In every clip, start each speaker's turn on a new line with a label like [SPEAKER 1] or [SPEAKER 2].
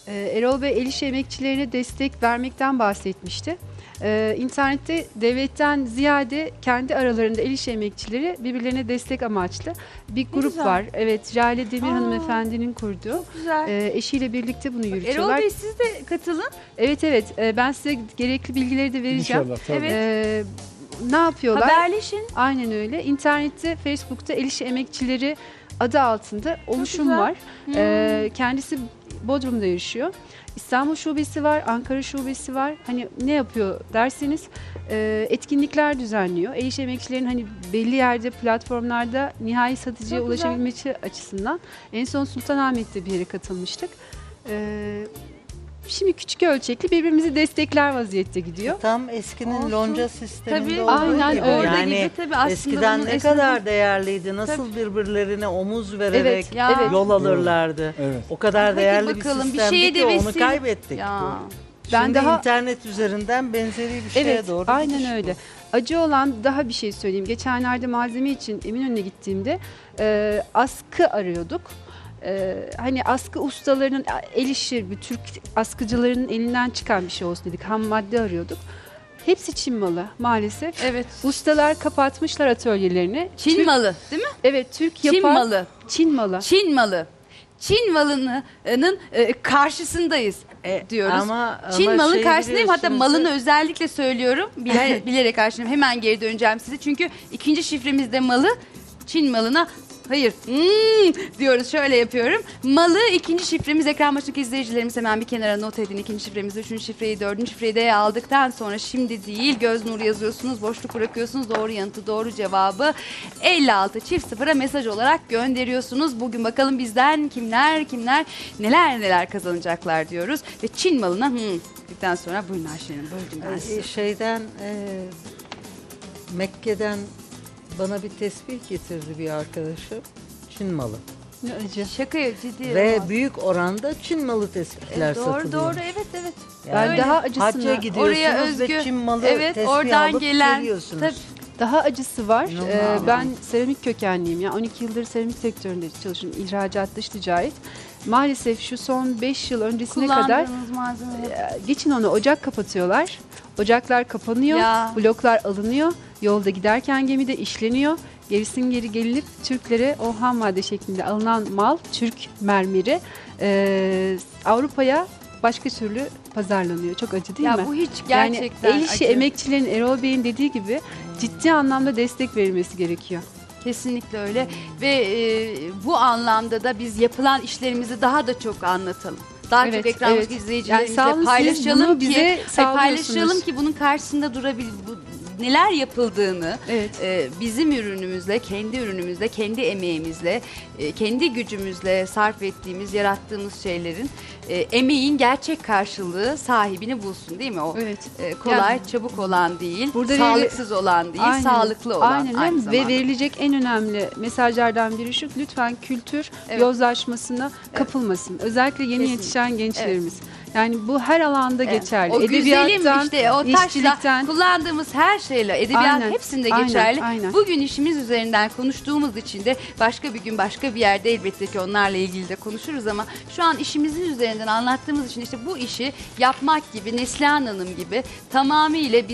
[SPEAKER 1] Erol Bey el işi emekçilerine destek vermekten bahsetmişti. İnternette devletten ziyade kendi aralarında el işi emekçileri birbirlerine destek amaçlı bir grup
[SPEAKER 2] güzel.
[SPEAKER 1] var. Evet, Jale Demir hanımefendinin kurduğu.
[SPEAKER 2] Çok güzel.
[SPEAKER 1] Eşiyle birlikte bunu
[SPEAKER 2] Erol
[SPEAKER 1] yürütüyorlar.
[SPEAKER 2] Bey siz de katılın.
[SPEAKER 1] Evet, ben size gerekli bilgileri de vereceğim.
[SPEAKER 3] İnşallah tabii.
[SPEAKER 2] Evet.
[SPEAKER 1] Ne yapıyorlar?
[SPEAKER 2] Haberleşin.
[SPEAKER 1] Aynen öyle. İnternette, Facebook'ta el işi emekçileri adı altında oluşum
[SPEAKER 2] güzel.
[SPEAKER 1] var. Kendisi Bodrum'da yaşıyor. İstanbul şubesi var, Ankara şubesi var. Hani ne yapıyor derseniz etkinlikler düzenliyor. El işi emekçilerin hani belli yerde platformlarda nihai satıcıya
[SPEAKER 2] Çok güzel.
[SPEAKER 1] ulaşabilmesi açısından. En son Sultanahmet'te bir yere katılmıştık. Şimdi küçük ölçekli birbirimizi destekler vaziyette gidiyor.
[SPEAKER 4] Tam eskinin
[SPEAKER 2] Olsun.
[SPEAKER 4] lonca sisteminde
[SPEAKER 2] Tabii,
[SPEAKER 4] olduğu
[SPEAKER 1] aynen
[SPEAKER 4] gibi.
[SPEAKER 1] öyle.
[SPEAKER 2] Orada
[SPEAKER 4] Yani
[SPEAKER 2] gibi tabii aslında
[SPEAKER 4] eskiden
[SPEAKER 2] bunun
[SPEAKER 4] ne kadar değerliydi, nasıl birbirlerine omuz vererek
[SPEAKER 1] Evet,
[SPEAKER 2] Ya.
[SPEAKER 1] evet.
[SPEAKER 4] yol alırlardı.
[SPEAKER 3] Evet.
[SPEAKER 4] O kadar
[SPEAKER 2] Hadi
[SPEAKER 4] değerli bir
[SPEAKER 2] bakalım, bir
[SPEAKER 4] sistemdi
[SPEAKER 2] şeye
[SPEAKER 4] ki
[SPEAKER 2] de
[SPEAKER 4] onu
[SPEAKER 2] vesile-
[SPEAKER 4] kaybettik.
[SPEAKER 2] Ya.
[SPEAKER 1] Ben
[SPEAKER 4] Şimdi
[SPEAKER 1] daha-
[SPEAKER 4] internet üzerinden benzeri bir şeye
[SPEAKER 1] Evet,
[SPEAKER 4] doğru
[SPEAKER 1] aynen
[SPEAKER 4] gidiş bu.
[SPEAKER 1] öyle. Acı olan daha bir şey söyleyeyim. Geçenlerde malzeme için Eminönü'ne gittiğimde askı arıyorduk. Hani askı ustalarının el işi, bir Türk askıcılarının elinden çıkan bir şey olsun dedik. Ham madde arıyorduk. Hepsi Çin malı maalesef.
[SPEAKER 2] Evet.
[SPEAKER 1] Ustalar kapatmışlar atölyelerini.
[SPEAKER 2] Çin
[SPEAKER 1] Türk-
[SPEAKER 2] malı değil mi?
[SPEAKER 1] Evet, Türk
[SPEAKER 2] Çin
[SPEAKER 1] yapan
[SPEAKER 2] malı.
[SPEAKER 1] Çin malı.
[SPEAKER 2] Çin malı. Çin malının karşısındayız diyoruz. Çin malının
[SPEAKER 4] şey
[SPEAKER 2] karşısındayım. Hatta
[SPEAKER 4] biliyorsunuz
[SPEAKER 2] malını
[SPEAKER 4] ya-
[SPEAKER 2] özellikle söylüyorum. Bilerek karşılayayım. Hemen geri döneceğim size. Çünkü ikinci şifremizde malı Çin malına hayır diyoruz, şöyle yapıyorum. Malı ikinci şifremiz, ekran başındaki izleyicilerimiz hemen bir kenara not edin. İkinci şifremizi, üçüncü şifreyi, dördüncü şifreyi de aldıktan sonra şimdi değil göz nuru yazıyorsunuz, boşluk bırakıyorsunuz, doğru yanıtı, doğru cevabı 56 çift sıfıra mesaj olarak gönderiyorsunuz. Bugün bakalım bizden kimler neler kazanacaklar diyoruz. Ve Çin malına dedikten sonra buyurun Ayşe Hanım, böldüm ben sizi.
[SPEAKER 4] Mekke'den bana bir tesbih getirdi bir arkadaşım. Çin malı.
[SPEAKER 1] Ne acı.
[SPEAKER 2] Şaka ciddi.
[SPEAKER 4] Ve
[SPEAKER 2] olmaz.
[SPEAKER 4] büyük oranda Çin malı tespihler satılıyor.
[SPEAKER 2] Doğru evet.
[SPEAKER 1] Ben
[SPEAKER 2] Öyle.
[SPEAKER 1] daha acısını,
[SPEAKER 4] Hacca gidiyorsunuz
[SPEAKER 2] Oraya özgü,
[SPEAKER 4] ve Çin malı
[SPEAKER 2] evet,
[SPEAKER 4] tespih
[SPEAKER 2] oradan
[SPEAKER 4] alıp
[SPEAKER 2] gelen,
[SPEAKER 4] geliyorsunuz.
[SPEAKER 2] tabii.
[SPEAKER 1] daha acısı var.
[SPEAKER 4] İnanılmaz.
[SPEAKER 1] Ben seramik kökenliyim. Yani 12 yıldır seramik sektöründe çalışıyorum. İhracat, dış ticaret. Maalesef şu son 5 yıl öncesine kadar
[SPEAKER 2] Kullandığınız malzemeler.
[SPEAKER 1] geçin onu ocak kapatıyorlar. Ocaklar kapanıyor.
[SPEAKER 2] Ya.
[SPEAKER 1] Bloklar alınıyor. Yolda giderken gemide işleniyor. Gerisin geri gelinip Türklere o ham madde şeklinde alınan mal, Türk mermeri Avrupa'ya başka türlü pazarlanıyor. Çok acı değil mi?
[SPEAKER 2] Ya bu hiç gerçekten
[SPEAKER 1] yani el işi
[SPEAKER 2] acı.
[SPEAKER 1] emekçilerin, Erol Bey'in dediği gibi ciddi anlamda destek verilmesi gerekiyor.
[SPEAKER 2] Kesinlikle öyle ve bu anlamda da biz yapılan işlerimizi daha da çok anlatalım. Daha
[SPEAKER 1] Evet,
[SPEAKER 2] çok ekranımızdaki
[SPEAKER 1] evet.
[SPEAKER 2] izleyicilerimizle
[SPEAKER 1] Yani sağ olun, siz
[SPEAKER 2] paylaşalım
[SPEAKER 1] bunu
[SPEAKER 2] ki
[SPEAKER 1] bize sağlıyorsunuz.
[SPEAKER 2] paylaşalım ki bunun karşısında neler yapıldığını
[SPEAKER 1] Evet.
[SPEAKER 2] bizim ürünümüzle, kendi ürünümüzle, kendi emeğimizle, kendi gücümüzle sarf ettiğimiz, yarattığımız şeylerin emeğin gerçek karşılığı sahibini bulsun, değil mi? O
[SPEAKER 1] Evet.
[SPEAKER 2] kolay,
[SPEAKER 1] Yani
[SPEAKER 2] çabuk olan değil,
[SPEAKER 1] burada
[SPEAKER 2] sağlıksız olan değil,
[SPEAKER 1] Aynen.
[SPEAKER 2] sağlıklı olan
[SPEAKER 1] Aynen.
[SPEAKER 2] aynı zamanda.
[SPEAKER 1] Ve verilecek en önemli mesajlardan biri şu: lütfen kültür
[SPEAKER 2] Evet.
[SPEAKER 1] yozlaşmasına kapılmasın. Özellikle yeni
[SPEAKER 2] Kesinlikle.
[SPEAKER 1] yetişen gençlerimiz. Yani bu her alanda geçerli.
[SPEAKER 2] O güzelim işte o taşla
[SPEAKER 1] işçilikten.
[SPEAKER 2] kullandığımız her şeyle, edebiyat
[SPEAKER 1] Aynen,
[SPEAKER 2] hepsinde
[SPEAKER 1] aynen,
[SPEAKER 2] geçerli.
[SPEAKER 1] aynen.
[SPEAKER 2] Bugün işimiz üzerinden konuştuğumuz için de başka bir gün başka bir yerde elbette ki onlarla ilgili de konuşuruz ama şu an işimizin üzerinden anlattığımız için işte bu işi yapmak gibi, Neslihan Hanım gibi tamamıyla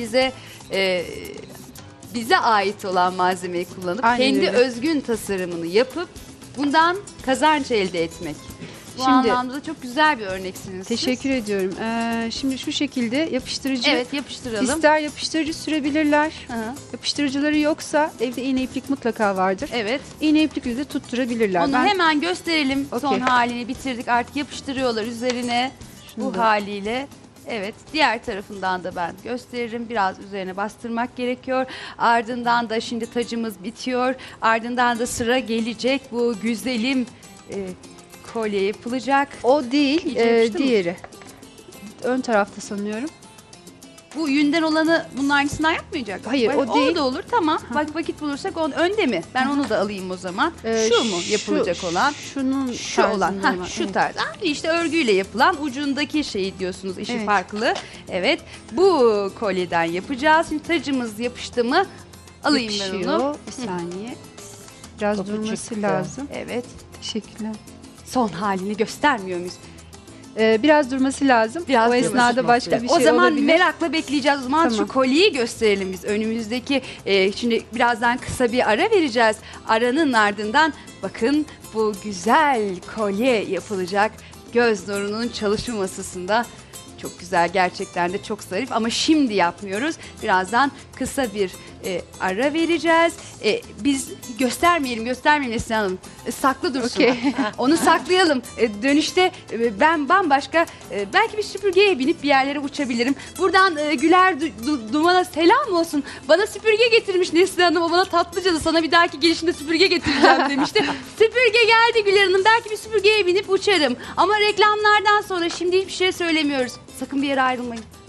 [SPEAKER 2] bize ait olan malzemeyi kullanıp
[SPEAKER 1] Aynen
[SPEAKER 2] kendi
[SPEAKER 1] öyle.
[SPEAKER 2] özgün tasarımını yapıp bundan kazanç elde etmek. Bu
[SPEAKER 1] Şimdi-
[SPEAKER 2] anlamda da çok güzel bir örneksiniz. siz.
[SPEAKER 1] Teşekkür ediyorum. Şimdi şu şekilde yapıştırıcı.
[SPEAKER 2] Evet, yapıştıralım.
[SPEAKER 1] İster yapıştırıcı sürebilirler.
[SPEAKER 2] Hı hı.
[SPEAKER 1] Yapıştırıcıları yoksa evde iğne iplik mutlaka vardır.
[SPEAKER 2] Evet.
[SPEAKER 1] İğne iplikle de tutturabilirler.
[SPEAKER 2] Onu hemen gösterelim.
[SPEAKER 1] Okey.
[SPEAKER 2] Son halini bitirdik. Artık yapıştırıyorlar üzerine
[SPEAKER 1] Şunu
[SPEAKER 2] bu
[SPEAKER 1] da-
[SPEAKER 2] haliyle. Evet. Diğer tarafından da ben gösteririm. Biraz üzerine bastırmak gerekiyor. Ardından da şimdi tacımız bitiyor. Ardından da sıra gelecek. Bu güzelim kolye yapılacak.
[SPEAKER 1] O değil,
[SPEAKER 2] İyice yapıştı mı?
[SPEAKER 1] diğeri. Ön tarafta sanıyorum.
[SPEAKER 2] Bu yünden olanı bunun aynısından yapmayacak.
[SPEAKER 1] Hayır, o
[SPEAKER 2] O
[SPEAKER 1] değil.
[SPEAKER 2] da olur. Tamam. Bak vakit bulursak onun önde mi? Ben onu da alayım o zaman. Şu mu yapılacak olan?
[SPEAKER 1] Şunun
[SPEAKER 2] Şu olan,
[SPEAKER 1] tarzında
[SPEAKER 2] şu
[SPEAKER 1] evet.
[SPEAKER 2] tarz. İşte örgüyle yapılan ucundaki şey diyorsunuz, işi
[SPEAKER 1] Evet.
[SPEAKER 2] farklı. Evet, bu kolyeden yapacağız. Şimdi tacımız yapıştı mı alayım ben
[SPEAKER 1] Yapışıyor.
[SPEAKER 2] onu.
[SPEAKER 1] Bir saniye. Biraz
[SPEAKER 4] Topu
[SPEAKER 1] durması
[SPEAKER 4] çıktı.
[SPEAKER 1] lazım.
[SPEAKER 2] Evet,
[SPEAKER 1] Teşekkürler.
[SPEAKER 2] son halini göstermiyor muyuz?
[SPEAKER 1] Biraz durması lazım.
[SPEAKER 2] Biraz
[SPEAKER 1] o
[SPEAKER 2] durması
[SPEAKER 1] esnada
[SPEAKER 4] lazım.
[SPEAKER 1] başka bir
[SPEAKER 2] O
[SPEAKER 1] şey
[SPEAKER 2] zaman
[SPEAKER 1] olabilir.
[SPEAKER 2] merakla bekleyeceğiz. O zaman
[SPEAKER 1] Tamam.
[SPEAKER 2] şu kolyeyi gösterelim biz. Önümüzdeki şimdi birazdan kısa bir ara vereceğiz. Aranın ardından bakın bu güzel kolye yapılacak. Göz nurunun çalışma masasında. Çok güzel, gerçekten de çok zarif ama şimdi yapmıyoruz. Birazdan kısa bir ara vereceğiz. Biz göstermeyelim Neslihan Hanım. Saklı dursun.
[SPEAKER 1] Okey.
[SPEAKER 2] Onu saklayalım. Dönüşte ben bambaşka belki bir süpürgeye binip bir yerlere uçabilirim. Buradan Güler Duman'a selam olsun. Bana süpürge getirmiş Neslihan Hanım. O bana tatlıca da sana bir dahaki gelişinde süpürge getireceğim demişti. Süpürge geldi Güler Hanım. Belki bir süpürgeye binip uçarım. Ama reklamlardan sonra şimdi hiçbir şey söylemiyoruz. Sakın bir yere ayrılmayın.